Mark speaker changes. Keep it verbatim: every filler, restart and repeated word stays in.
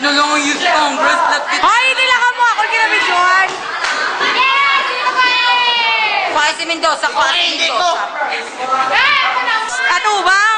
Speaker 1: na lang ang youth congress.
Speaker 2: Hoy, hindi lang mo ako kinabidyohan.
Speaker 1: Yes! Sino ba eh? Pasi Mendoza, Pasi Mendoza.
Speaker 2: Ano ba?